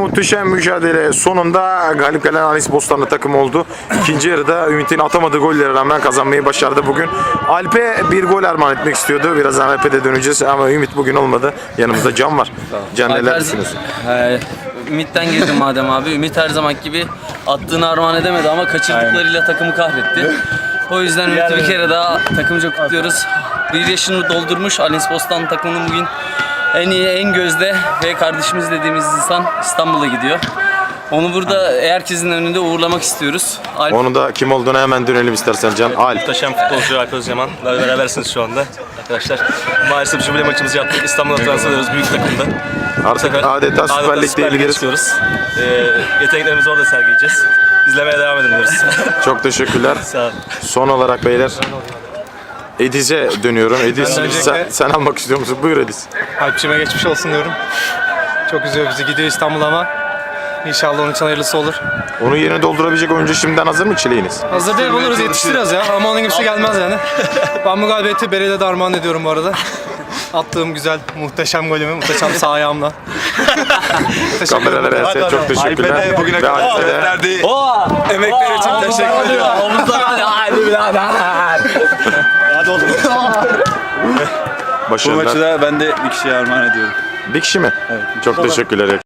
muhteşem mücadele sonunda galip gelen Anis Bostanlı takım oldu. İkinci yarıda Ümit'in atamadığı gollere rağmen kazanmayı başardı bugün. Alp'e bir gol armağan etmek istiyordu. Birazdan Alp'e de döneceğiz ama Ümit bugün olmadı. Yanımızda Can var. Can, neler düşünüyorsun? Ümit'ten girdim madem abi. Ümit her zaman gibi attığını armağan edemedi ama kaçırdıklarıyla takımı kahretti. O yüzden Ümit'i bir kere daha takımca kutluyoruz. Bir yaşını doldurmuş Anis Bostanlı takımının bugün en iyi, en gözde ve kardeşimiz dediğimiz insan İstanbul'a gidiyor. Onu burada herkesin önünde uğurlamak istiyoruz. Onu da kim olduğuna hemen dönelim istersen Can. Alp. Muhteşem futbolcu Alp Özyaman'la berabersiniz şu anda arkadaşlar. Maalesef jübile maçımızı yaptık. İstanbul'a transfer ediyoruz büyük takımda. Artık adeta Süper Lig'de ilgili istiyoruz. Yeteneklerimizi orada sergileyeceğiz. İzlemeye devam edin diyoruz. Çok teşekkürler. Sağ olun. Son olarak beyler Ediz'e dönüyorum. Ediz sen almak istiyor musun? Buyur Ediz. Alpçime geçmiş olsun diyorum. Çok üzüyor bizi, gidiyor İstanbul ama inşallah onun için hayırlısı olur. Onun yerine doldurabilecek oyuncu şimdiden hazır mı çileğiniz? Hazır değil, buluruz, yetiştiririz ya ama onun gibisi gelmez yani. Ben bu galibiyeti Beril'e de armağan ediyorum bu arada. Attığım güzel, muhteşem golümü, muhteşem sağ ayağımla. Kameralara her çok teşekkürler. Bugüne kadar verdiği Emekler için teşekkür ediyorum. bu Başarılar. maçı da ben de bir kişiye armağan ediyorum. Bir kişi mi? Evet. Çok teşekkürler.